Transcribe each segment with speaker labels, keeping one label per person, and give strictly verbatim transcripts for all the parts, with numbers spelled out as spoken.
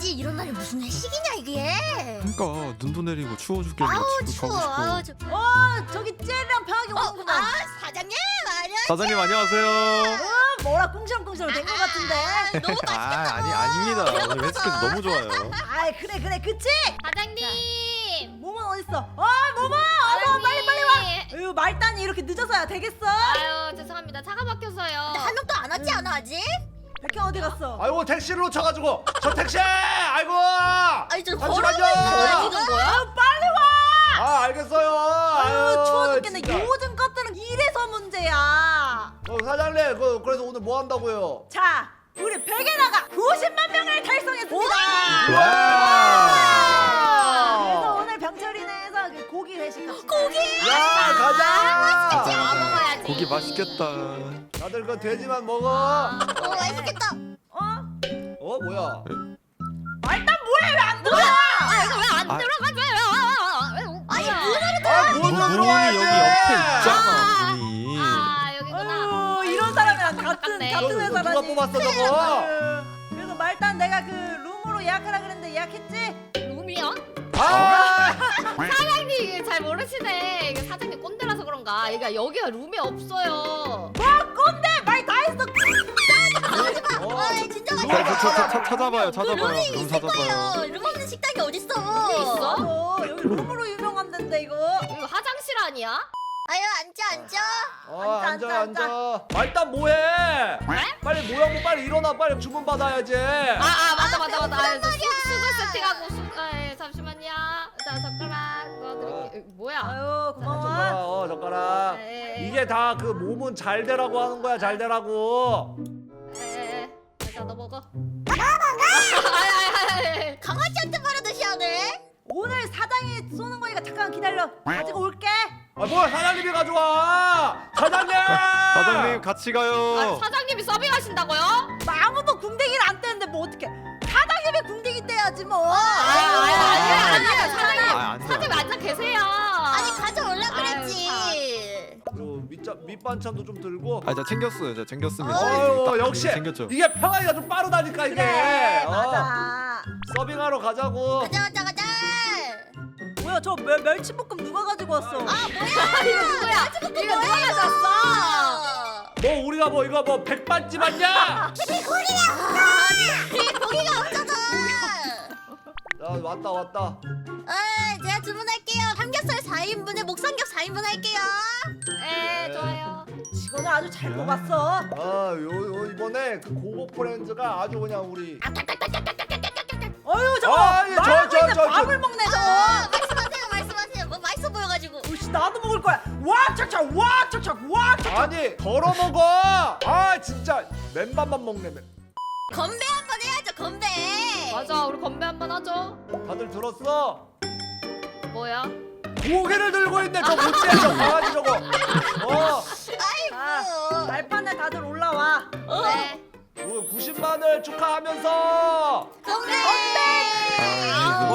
Speaker 1: 아니지. 이런 날이 무슨 회식이냐 이게.
Speaker 2: 그러니까 눈도 내리고 추워 죽겠네.
Speaker 1: 아우
Speaker 2: 집에
Speaker 1: 추워.
Speaker 2: 가고
Speaker 1: 아우
Speaker 2: 싶어.
Speaker 1: 저...
Speaker 3: 어 저기 쟤랑 편하게
Speaker 1: 어,
Speaker 3: 오는구나.
Speaker 1: 아 사장님 안녕.
Speaker 2: 사장님 안녕하세요.
Speaker 3: 어, 뭐라 꽁시렁꽁시렁 된 것 같은데.
Speaker 1: 너무
Speaker 2: 아
Speaker 1: 맛있겠다.
Speaker 2: 아니 아닙니다. 오늘 회식해서 너무 좋아요.
Speaker 3: 아이 그래 그래 그치?
Speaker 4: 사장님.
Speaker 3: 모모 어딨어? 어 모모 어서 빨리 빨리 와.
Speaker 4: 사장님.
Speaker 3: 어휴 말단이 이렇게 늦어서야 되겠어?
Speaker 4: 아유 죄송합니다. 차가 막혀서요.
Speaker 1: 한 명도 안 왔지 않아 아직?
Speaker 3: 백현 어디 갔어?
Speaker 5: 아이고 택시를 놓쳐가지고 저 택시! 아이고!
Speaker 1: 아니 저
Speaker 5: 잠시만요.
Speaker 1: 걸어오고 있어
Speaker 4: 지금
Speaker 1: 지금.
Speaker 4: 뭐야?
Speaker 3: 빨리 와.
Speaker 5: 아 알겠어요.
Speaker 3: 아유 추워 죽겠네.
Speaker 5: 진짜.
Speaker 3: 요즘 것들은 이래서 문제야.
Speaker 5: 어, 사장님 그, 그래서 오늘 뭐 한다고요?
Speaker 3: 자 우리 백에다가 구십만 명을 달성했습니다. 그래서
Speaker 5: 와!
Speaker 3: 오늘 병철이네에서 그 고기 회식 합시다.
Speaker 1: 고기.
Speaker 5: 야 가자!
Speaker 4: 아 먹어야지.
Speaker 2: 고기 맛있겠다.
Speaker 5: 다들 그 돼지만 먹어.
Speaker 1: 어 맛있겠다.
Speaker 3: 어?
Speaker 5: 어 뭐야?
Speaker 3: 말단 뭐해 왜 안 들어와?
Speaker 1: 아 이거 왜 안
Speaker 2: 아.
Speaker 1: 들어가줘요? 아니 문을
Speaker 5: 아
Speaker 2: 문,
Speaker 5: 문도
Speaker 2: 문이
Speaker 5: 들어와야지.
Speaker 2: 여기 옆에 있잖아. 문이.
Speaker 4: 아 여기구나.
Speaker 3: 아유 이런 사람이랑 같은
Speaker 4: 아깝네.
Speaker 3: 같은
Speaker 5: 이거
Speaker 3: 회사라니.
Speaker 5: 누가 뽑았어 저거?
Speaker 3: 아유, 그래서 말단 내가 그 룸으로 예약하라 그랬는데 예약했지?
Speaker 4: 룸이요?
Speaker 5: 아!
Speaker 4: 사장님 이게 잘 모르시네. 이게 사장님 꼰대라서 그런가. 이게 여기가 룸이 없어요.
Speaker 3: 뭐 꼰대 말 다 했어.
Speaker 5: 어.
Speaker 1: 아 진짜
Speaker 2: 자,
Speaker 1: 맛있겠다.
Speaker 2: 저, 저, 저, 찾아봐요.
Speaker 1: 그
Speaker 2: 찾아봐요.
Speaker 1: 룸이
Speaker 2: 룸
Speaker 1: 있을
Speaker 2: 찾아봐요.
Speaker 1: 거예요. 룸 없는 식당이 어딨어?
Speaker 4: 룸이 있어?
Speaker 3: 어, 여기 룸으로 유명한 데인데 이거.
Speaker 4: 이거 화장실 아니야?
Speaker 1: 아유 앉아 앉아.
Speaker 5: 어
Speaker 3: 앉아,
Speaker 5: 앉아
Speaker 3: 앉아,
Speaker 5: 앉아. 아, 일단 뭐해?
Speaker 4: 네?
Speaker 5: 빨리 모양고 빨리 일어나 빨리 주문 받아야지.
Speaker 4: 아, 아 맞다 맞다 맞다. 아, 수,
Speaker 1: 말이야.
Speaker 4: 수저 세팅하고 수, 아, 예, 잠시만요. 자 젓가락 넣어드릴게요. 이거 뭐야?
Speaker 3: 아유
Speaker 5: 젓가락
Speaker 3: 고마워.
Speaker 5: 어 젓가락.
Speaker 4: 예,
Speaker 5: 이게 다 그 몸은 잘 되라고 하는 거야 잘 되라고.
Speaker 4: 예, 예. 자, 너 먹어. 아야야야.
Speaker 1: 강아지한테 말하듯이 하네.
Speaker 3: 오늘 사장이 쏘는 거니까 잠깐 기다려. 가지고 올게.
Speaker 5: 아 뭐야 사장님이 가져와. 사장님.
Speaker 2: 사장님 같이
Speaker 4: 아,
Speaker 2: 가요.
Speaker 4: 사장님이 서빙하신다고요?
Speaker 3: 뭐 아무도 궁뎅이를 안 떼는데 뭐 어떡해. 사장님이 궁뎅이 떼야지 뭐.
Speaker 4: 아, 아니야 아니야 아니야.
Speaker 2: 아,
Speaker 4: 사장님
Speaker 2: 안 돼.
Speaker 4: 사장님 앉아 계세요.
Speaker 1: 아니 가져올라 그랬지.
Speaker 5: 그리고 밑자 밑반찬도 좀 들고.
Speaker 2: 아, 저 챙겼어요. 저 챙겼습니다.
Speaker 5: 어유
Speaker 2: 딱
Speaker 5: 역시
Speaker 2: 챙겼죠.
Speaker 5: 이게 평화가 좀 빠르다니까 이게.
Speaker 3: 그래
Speaker 5: 어,
Speaker 3: 맞아.
Speaker 5: 서빙하러 가자고.
Speaker 1: 가자 가자 가자.
Speaker 3: 뭐야 저 멸, 멸치볶음 누가 가지고 왔어?
Speaker 1: 아 뭐야?
Speaker 4: 이거 누구야? 이거 누가 가져왔어?
Speaker 5: 뭐 우리가 뭐 이거 뭐 백반집 아니야?
Speaker 1: 이 고기가 고기가 없잖아.
Speaker 5: 야 왔다 왔다.
Speaker 1: 아 제가 주문할게요. 삼겹살 사 인분에 목삼겹 사 인분 할게요.
Speaker 4: 네 좋아요.
Speaker 3: 직원을 아주 잘 뽑았어.
Speaker 5: 아요 요 이번에 그 고급 브랜드가 아주 그냥 우리.
Speaker 3: 어휴 저거
Speaker 5: 아, 예, 저,
Speaker 3: 말하고
Speaker 5: 저,
Speaker 3: 있는데
Speaker 5: 저, 저.
Speaker 3: 밥을 먹네 저거.
Speaker 1: 아 말씀하세요 말씀하세요. 뭐 맛있어 보여가지고.
Speaker 3: 으씨 나도 먹을 거야. 와 착착 와 착착 와 착착.
Speaker 5: 아니 덜어 먹어. 아 진짜 맨밥만 먹네. 맨.
Speaker 1: 건배 한번 해야죠 건배.
Speaker 4: 맞아 우리 건배 한번 하죠.
Speaker 5: 다들 들었어?
Speaker 4: 뭐야?
Speaker 5: 고개를 들고 있네 저 못돼 저 강아지 저거. 어.
Speaker 1: 아이고.
Speaker 3: 말판에 다들 올라와.
Speaker 4: 네.
Speaker 5: 그 구십만을 축하하면서
Speaker 1: 건배.
Speaker 2: 아,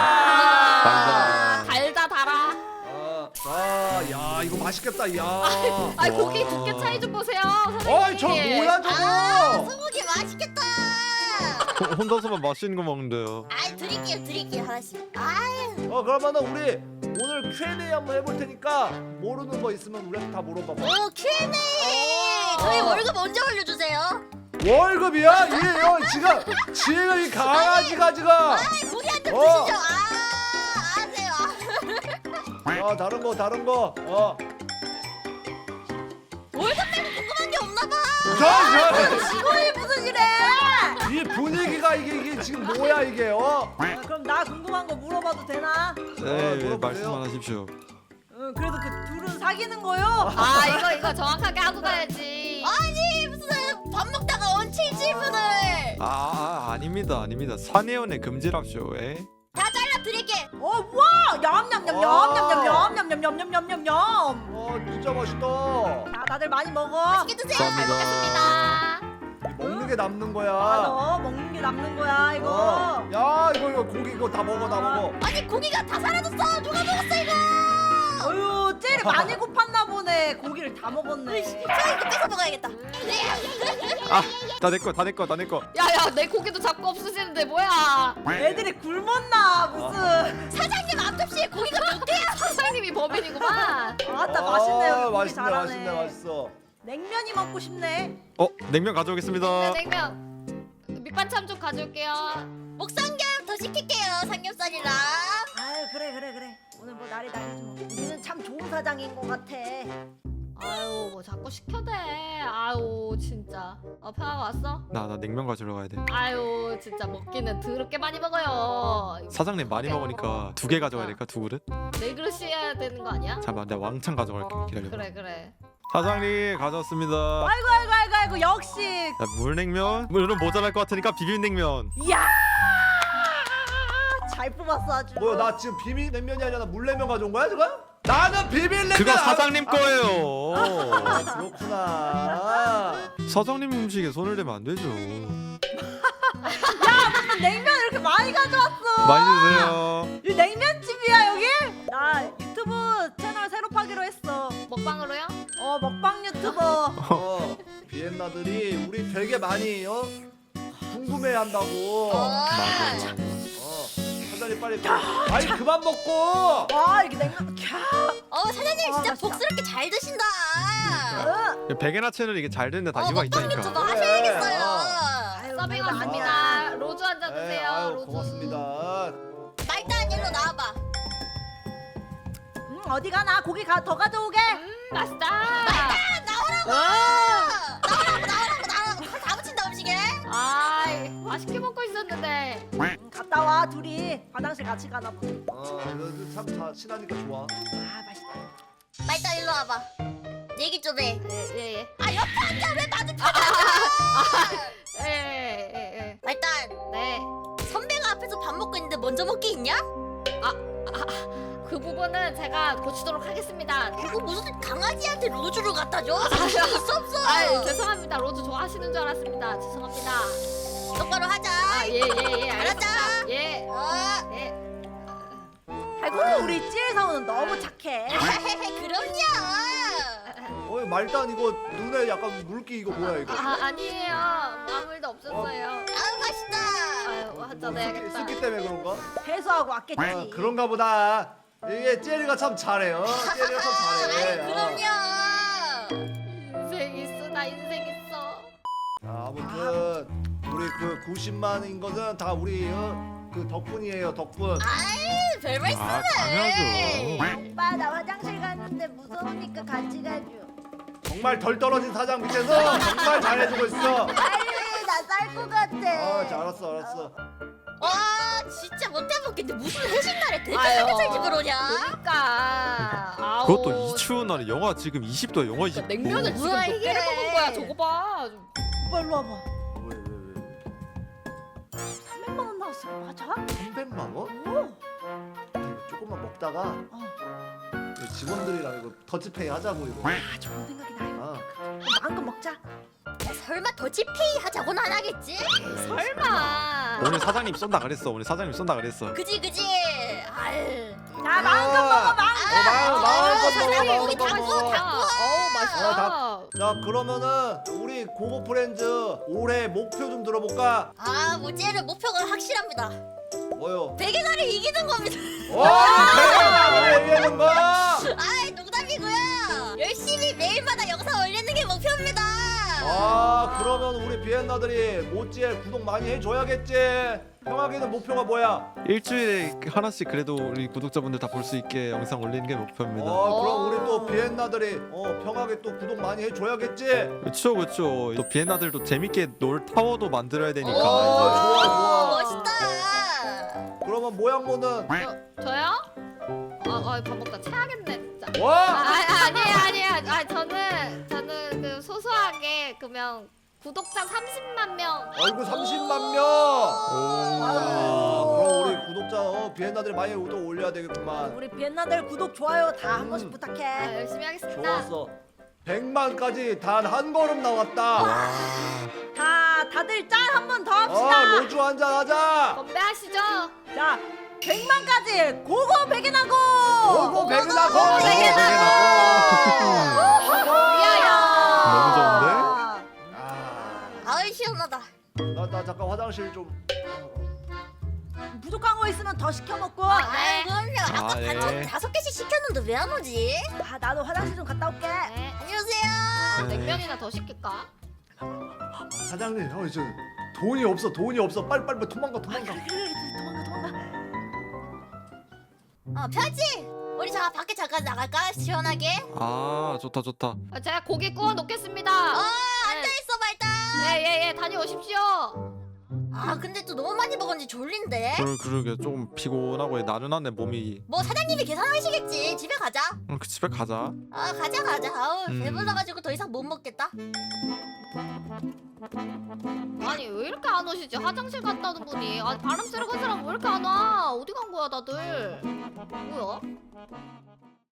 Speaker 5: 먹자.
Speaker 4: 달다 달아.
Speaker 5: 아, 아, 야 이거 맛있겠다. 야.
Speaker 4: 아이 고기
Speaker 2: 와.
Speaker 4: 두께 차이 좀 보세요. 사장님.
Speaker 5: 어이 저 뭐야 저거?
Speaker 1: 아 소고기 맛있겠다.
Speaker 2: 호- 혼자서만 맛있는 거 먹는데요.
Speaker 1: 아이 드릴게요 드릴게요 하나씩. 아유.
Speaker 5: 어 그러면은 우리 오늘 큐 앤 에이 한번 해볼 테니까 모르는 거 있으면 우리한테 다 물어봐봐.
Speaker 1: 오 큐 앤 에이. 저희
Speaker 5: 어.
Speaker 1: 월급 언제 올려주세요?
Speaker 5: 월급이야? 이 어, 지금 지금 이 강아지가 지금.
Speaker 1: 아이 고기한테
Speaker 5: 어.
Speaker 1: 드시죠. 아 아세요.
Speaker 5: 어 다른 거 다른 거. 어.
Speaker 1: 월급 말고 궁금한 게 없나 봐.
Speaker 5: 저,
Speaker 3: 직원이 무슨 이래?
Speaker 5: 저, 이 분위기가 이게 이게 지금 뭐야 이게 어?
Speaker 3: 아, 그럼 나 궁금한 거 물어봐도 되나?
Speaker 2: 네,
Speaker 5: 물어보세요.
Speaker 2: 말씀만 하십시오.
Speaker 3: 응 그래도 그 둘은 사귀는 거요?
Speaker 4: 아 이거 이거 정확하게 하고 가야지.
Speaker 1: 아니 무슨 밥 먹다가 얹힌 질문을.
Speaker 2: 아, 아 아닙니다, 아닙니다. 사내연애 금지랍쇼. 에?
Speaker 1: 다 잘라 드릴게.
Speaker 3: 어 와! 냠냠냠냠
Speaker 5: 와.
Speaker 3: 냠냠냠냠냠냠냠냠냠.
Speaker 5: 어 진짜 맛있다.
Speaker 3: 자 다들 많이 먹어.
Speaker 1: 맛있게 드세요.
Speaker 2: 감사합니다.
Speaker 4: 먹겠습니다.
Speaker 5: 먹는 게 남는 거야.
Speaker 3: 맞아 먹는 게 남는 거야 이거.
Speaker 5: 어. 야 이거 이거 고기 이거 다 먹어 다 먹어.
Speaker 1: 아니 고기가 다 사라졌어. 누가 먹었어 이거?
Speaker 3: 어휴 젤이 많이 고팠나 보네. 고기를 다 먹었네.
Speaker 1: 자 이거 뺏어 먹어야겠다.
Speaker 2: 아다 내 거 다 내 거 다 내 거.
Speaker 4: 야야 내 고기도 자꾸 없으시는데 뭐야?
Speaker 3: 애들이 굶었나 무슨.
Speaker 1: 사장님 앞접시에 고기가 몇 개야?
Speaker 4: 사장님이 법인이구만.
Speaker 3: 아따 맛있네요. 고기
Speaker 5: 맛있네
Speaker 3: 잘하네.
Speaker 5: 맛있네 맛있어.
Speaker 3: 냉면이 먹고 싶네.
Speaker 2: 어 냉면 가져오겠습니다.
Speaker 4: 네, 냉면. 밑반찬 좀 가져올게요.
Speaker 1: 목삼겹 더 시킬게요. 삼겹살이랑.
Speaker 3: 아유 그래 그래 그래. 오늘 뭐 날이 날이지 뭐. 우리는 참 좋은 사장인 것 같아.
Speaker 4: 아유 뭐 자꾸 시켜대. 아유 진짜. 어 평화가 왔어?
Speaker 2: 나 나 냉면 가지러 가야 돼.
Speaker 4: 아유 진짜 먹기는 더럽게 많이 먹어요.
Speaker 2: 사장님 많이 먹으니까 두 개 가져가야 될까 두 그릇?
Speaker 4: 네 그릇이어야 되는 거 아니야?
Speaker 2: 잠깐만 내가 왕창 가져갈게 기다려.
Speaker 4: 그래 그래.
Speaker 2: 사장님 가져왔습니다.
Speaker 3: 아이고 아이고 아이고 아이고 역시.
Speaker 2: 자, 물냉면 물은 모자랄 것 같으니까 비빔냉면.
Speaker 3: 이야. 잘 뽑았어 아주.
Speaker 5: 뭐야 나 지금 비빔냉면이 아니라 나 물냉면 가져온 거야 지금? 나는 비빔냉면.
Speaker 2: 그거
Speaker 5: 안-
Speaker 2: 사장님
Speaker 5: 아,
Speaker 2: 거예요.
Speaker 5: 아, 그렇구나.
Speaker 2: 사장님 음식에 손을 대면 안 되죠.
Speaker 3: 냉면 이렇게 많이 가져왔어.
Speaker 2: 많이 드세요.
Speaker 3: 이 냉면집이야 여기? 나 유튜브 채널 새로 파기로 했어.
Speaker 4: 먹방으로요?
Speaker 3: 어 먹방 유튜버.
Speaker 5: 어, 비엔나들이 우리 되게 많이 어? 궁금해한다고.
Speaker 1: 어.
Speaker 2: 맞아.
Speaker 5: 어, 사장님 빨리 아이 그만 먹고.
Speaker 3: 와 이게 냉면. 캬.
Speaker 1: 어 사장님
Speaker 3: 아,
Speaker 1: 진짜
Speaker 3: 맛있다.
Speaker 1: 복스럽게 잘 드신다.
Speaker 3: 어.
Speaker 2: 베개나 채널 이게 잘 되는데 다
Speaker 1: 어
Speaker 2: 이유가
Speaker 1: 먹방
Speaker 2: 있다니까.
Speaker 1: 유튜버
Speaker 5: 그래.
Speaker 1: 하셔야겠어요.
Speaker 3: 아유,
Speaker 4: 서빙
Speaker 3: 별거
Speaker 4: 왔습니다.
Speaker 3: 아니야.
Speaker 4: 로즈 한 잔
Speaker 5: 네,
Speaker 4: 드세요.
Speaker 5: 아유,
Speaker 4: 로즈.
Speaker 5: 고맙습니다.
Speaker 1: 말단 일로 나와봐.
Speaker 3: 음 어디 가나 고기 가, 더 가져오게.
Speaker 4: 음 맛있다.
Speaker 1: 나오라고.
Speaker 4: 아,
Speaker 1: 나오라고 나오라고 나오라고. 칼 다 붙인다 음식에.
Speaker 4: 아이 맛있게 먹고 있었는데.
Speaker 3: 음, 갔다 와 둘이 화장실 같이 가나 보네.
Speaker 5: 어, 참 다 친하니까 좋아.
Speaker 3: 아 맛있다.
Speaker 1: 말단 일로 와봐. 얘기 좀 해.
Speaker 4: 예예 예.
Speaker 1: 아 옆에 앉아 왜 마주쳐 앉아.
Speaker 4: 예, 예, 예, 예.
Speaker 1: 말단
Speaker 4: 네.
Speaker 1: 선배가 앞에서 밥 먹고 있는데 먼저 먹기 있냐?
Speaker 4: 그 부분은 제가 고치도록 하겠습니다.
Speaker 1: 그거 무슨 강아지한테 로즈를 갖다 줘? 자신 있어 없어?
Speaker 4: 아 죄송합니다. 로즈 좋아하시는 줄 알았습니다. 죄송합니다.
Speaker 1: 똑바로 하자.
Speaker 4: 아 예 예 예.
Speaker 1: 알았다.
Speaker 4: 알았습니다. 예.
Speaker 1: 어.
Speaker 4: 예.
Speaker 3: 아이고 우리 찌엘 사원은 너무 착해.
Speaker 1: 그럼요.
Speaker 5: 어, 말단 이거 눈에 약간 물기 이거 뭐야 이거?
Speaker 4: 아 아니에요. 아무 일도 없었어요.
Speaker 1: 아우 맛있다.
Speaker 4: 아유 한잔
Speaker 5: 뭐
Speaker 4: 해야겠다.
Speaker 5: 습기 때문에 그런가?
Speaker 3: 회수하고 왔겠지.
Speaker 5: 아, 그런가 보다. 이게 젤리가 참 잘해요. 젤리가 참 잘해.
Speaker 1: 아이 그럼요.
Speaker 4: 인생 있어 나 인생 있어.
Speaker 5: 자, 아무튼 우리 그 구십만인 거는 다 우리 어, 그 덕분이에요. 덕분.
Speaker 1: 아이 별 말씀을.
Speaker 2: 아 당연하죠.
Speaker 3: 오빠 나 화장실 갔는데 무서우니까 같이 가줘.
Speaker 5: 정말 덜 떨어진 사장 밑에서 정말 잘해주고 있어.
Speaker 3: 빨리 나 쌀 것 같아.
Speaker 5: 아, 자, 알았어, 알았어.
Speaker 1: 와 진짜 못 해먹겠는데 무슨 회식 날에 대체
Speaker 4: 아유.
Speaker 1: 삼겹살 집을 오냐?
Speaker 4: 그러니까. 아우.
Speaker 2: 그것도 이 추운 날에 영하 지금 이십 도야 영하 이십 도.
Speaker 4: 그러니까 냉면을 지금
Speaker 1: 뭐야,
Speaker 4: 몇
Speaker 1: 이게.
Speaker 4: 개를 먹은 거야. 저거 봐.
Speaker 3: 오빠 일로 와봐.
Speaker 5: 왜, 왜, 왜?
Speaker 3: 삼백만 원 나왔어. 맞아?
Speaker 5: 삼백만 원?
Speaker 3: 오.
Speaker 5: 아니, 조금만 먹다가
Speaker 3: 어.
Speaker 5: 이거 직원들이랑 이거 더치페이 하자고 이거.
Speaker 3: 아 좋은 생각이다.
Speaker 5: 아,
Speaker 3: 그럼 마음껏 먹자.
Speaker 1: 설마 더치페이 하자고는 안 하겠지?
Speaker 4: 설마.
Speaker 2: 오늘 사장님 쏜다 그랬어. 오늘 사장님 쏜다 그랬어.
Speaker 1: 그지 그지. 아유.
Speaker 3: 야 마음껏 먹어 마음껏.
Speaker 5: 어, 마음, 마음껏
Speaker 1: 사장님,
Speaker 5: 먹어,
Speaker 1: 우리
Speaker 5: 마음껏
Speaker 1: 닭구,
Speaker 5: 먹어.
Speaker 1: 닭구.
Speaker 4: 어우 맛있다.
Speaker 5: 어, 닭- 자, 그러면은 우리 고고 프렌즈 올해 목표 좀 들어볼까?
Speaker 1: 아 모찌의 목표가 확실합니다.
Speaker 5: 뭐요?
Speaker 1: 베개나를 이기는 겁니다.
Speaker 5: 와, 내가 얘기하는 거.
Speaker 1: 아 농담이고요. 열심히 매일마다 영상 올리는 게 목표입니다.
Speaker 5: 아, 그러면 우리 비엔나들이 모찌엘 구독 많이 해줘야겠지. 형아기는 목표가 뭐야?
Speaker 2: 일주일에 하나씩 그래도 우리 구독자분들 다 볼 수 있게 영상 올리는 게 목표입니다.
Speaker 5: 어, 그럼
Speaker 4: 오.
Speaker 5: 우리 또 비엔나들이 어 평하게 또 구독 많이 해줘야겠지.
Speaker 2: 그렇죠, 그렇죠. 또 비엔나들도 재밌게 놀 타워도 만들어야 되니까.
Speaker 5: 오, 좋아,
Speaker 2: 이제.
Speaker 5: 좋아.
Speaker 1: 멋있다.
Speaker 5: 그러면 모양모는
Speaker 4: 저 저요? 아밥 먹다 체하겠네 진짜. 아,
Speaker 5: 와.
Speaker 4: 아 아니에요 아니에요. 아 저는 저는 그 소소하게 그러면 구독자 삼십만 명.
Speaker 5: 아이고 삼십만 명.
Speaker 2: 오.
Speaker 5: 아, 그럼 우리 구독자 어, 비엔나들이 많이 또 올려야 되겠구만.
Speaker 3: 우리 비엔나들 구독 좋아요 다 한 번씩
Speaker 5: 음.
Speaker 3: 부탁해.
Speaker 4: 아, 열심히 하겠습니다.
Speaker 5: 좋았어. 백만까지 단 한 걸음 나왔다.
Speaker 3: 자, 다들 짠 한 번 더 합시다.
Speaker 5: 어, 로주 한잔 하자.
Speaker 4: 건배하시죠.
Speaker 3: 자, 백만까지 고고 백인하고.
Speaker 5: 고고 백은하고.
Speaker 4: 고고 백은하고. 야야.
Speaker 2: 너무 좋은데?
Speaker 5: 아,
Speaker 1: 아이 시원하다.
Speaker 5: 나, 나 잠깐 화장실 좀.
Speaker 3: 부족한 거 있으면 더 시켜 먹고.
Speaker 1: 아이 그럼요. 아까
Speaker 2: 아, 예.
Speaker 1: 반찬 다섯 개씩 시켰는데 왜 안 오지?
Speaker 3: 아, 나도 화장실 좀 갔다 올게.
Speaker 4: 네.
Speaker 1: 안녕하세요.
Speaker 4: 냉면이나 더 시킬까?
Speaker 5: 아, 사장님, 형 이제 돈이 없어, 돈이 없어. 빨리 빨리 도망가, 도망가.
Speaker 3: 그래, 그래, 도망가, 도망가.
Speaker 1: 어 펴지. 우리 자 밖에 잠깐 나갈까? 시원하게.
Speaker 2: 아 좋다 좋다.
Speaker 4: 아, 제가 고기 구워 놓겠습니다.
Speaker 1: 어 앉아 있어 말다.
Speaker 4: 예예예 다녀오십시오.
Speaker 1: 아 근데 또 너무 많이 먹었는지 졸린데.
Speaker 2: 그러, 그러게 조금 피곤하고 나른하네 몸이.
Speaker 1: 뭐 사장님이 계산하시겠지. 집에 가자.
Speaker 2: 응, 그 집에 가자.
Speaker 1: 아 가자 가자. 아우
Speaker 2: 음.
Speaker 1: 배불러가지고 더 이상 못 먹겠다.
Speaker 4: 아니 왜 이렇게 안 오시지? 화장실 갔다 오는 분이. 아니 바람 쐬러 간 사람 왜 이렇게 안 와? 어디 간 거야 다들? 뭐야?